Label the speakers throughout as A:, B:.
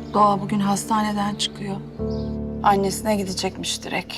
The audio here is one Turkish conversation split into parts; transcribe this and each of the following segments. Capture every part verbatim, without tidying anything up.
A: Doğa bugün hastaneden çıkıyor. Annesine gidecekmiş direkt.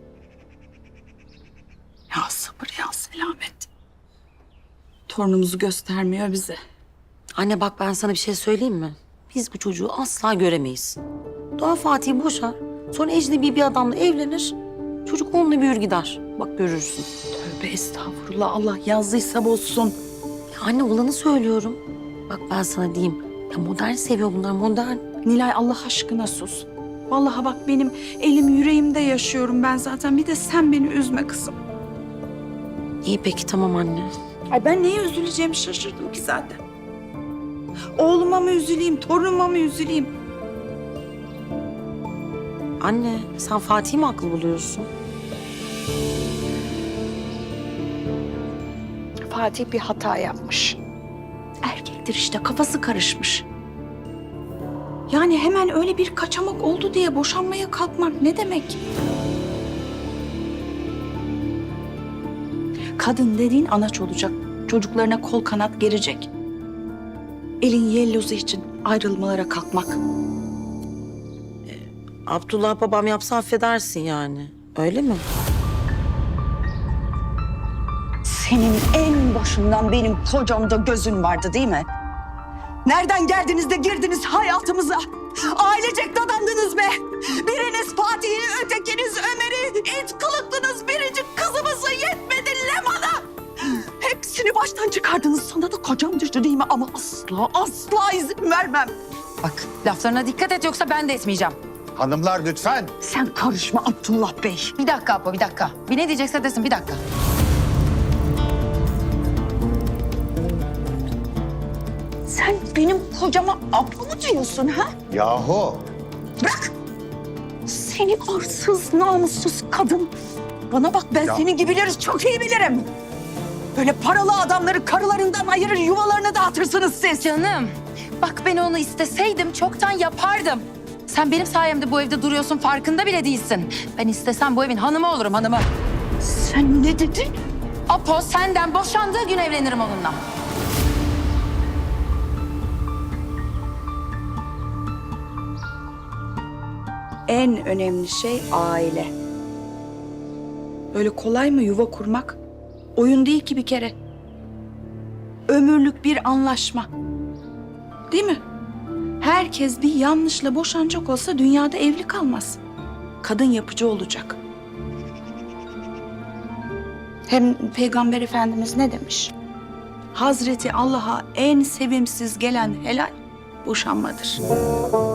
A: Ya sabır ya selamet. Torunumuzu göstermiyor bize.
B: Anne bak ben sana bir şey söyleyeyim mi? Biz bu çocuğu asla göremeyiz. Doğa Fatih'i boşar. Sonra ecnebi bir adamla evlenir. Çocuk onunla büyür gider. Bak görürsün.
A: Tövbe estağfurullah, Allah yazdıysa bozsun.
B: Ya anne olanı söylüyorum. Bak ben sana diyeyim. Ya modern seviyor bunlar modern.
A: Nilay Allah aşkına sus. Vallahi bak benim elim yüreğimde yaşıyorum ben zaten. Bir de sen beni üzme kızım.
B: İyi peki tamam anne.
A: Ay ben neye üzüleceğimi şaşırdım ki zaten. Oğluma mı üzüleyim, torunuma mı üzüleyim?
B: Anne sen Fatih'i mi haklı buluyorsun?
A: Fatih bir hata yapmış. Erkektir işte, kafası karışmış. Yani hemen öyle bir kaçamak oldu diye boşanmaya kalkmak ne demek? Kadın dediğin anaç olacak. Çocuklarına kol kanat gerecek. Elin yellozu için ayrılmalara kalkmak.
B: Abdullah babam yapsa affedersin yani. Öyle mi?
C: Senin en başından benim kocamda gözün vardı değil mi? Nereden geldiniz de girdiniz hayatımıza? Ailecek dadandınız be. Biriniz Fatih'i, ötekiniz Ömer'i, it kılıklınız biricik kızımızı yetmedi Leman'a. Hepsini baştan çıkardınız. Sana da kocam düştü değil mi? Ama asla asla izin vermem.
D: Bak laflarına dikkat et yoksa ben de etmeyeceğim.
E: Hanımlar lütfen.
C: Sen karışma Abdullah Bey.
D: Bir dakika Apo bir dakika. Bir ne diyecekse desin bir dakika.
C: Sen benim kocama abla mı diyorsun ha?
E: Yahu.
C: Bırak! Seni arsız, namussuz kadın. Bana bak ben
E: Ya.
C: senin gibileri çok iyi bilirim. Böyle paralı adamları karılarından ayırır, yuvalarını dağıtırsınız siz.
D: Canım bak ben onu isteseydim çoktan yapardım. Sen benim sayemde bu evde duruyorsun farkında bile değilsin. Ben istesem bu evin hanımı olurum hanımı.
C: Sen ne dedin?
D: Apo senden boşandığı gün evlenirim onunla.
A: En önemli şey aile. Öyle kolay mı yuva kurmak? Oyun değil ki bir kere. Ömürlük bir anlaşma. Değil mi? Herkes bir yanlışla boşanacak olsa dünyada evli kalmaz. Kadın yapıcı olacak. Hem Peygamber Efendimiz ne demiş? Hazreti Allah'a en sevimsiz gelen helal boşanmadır.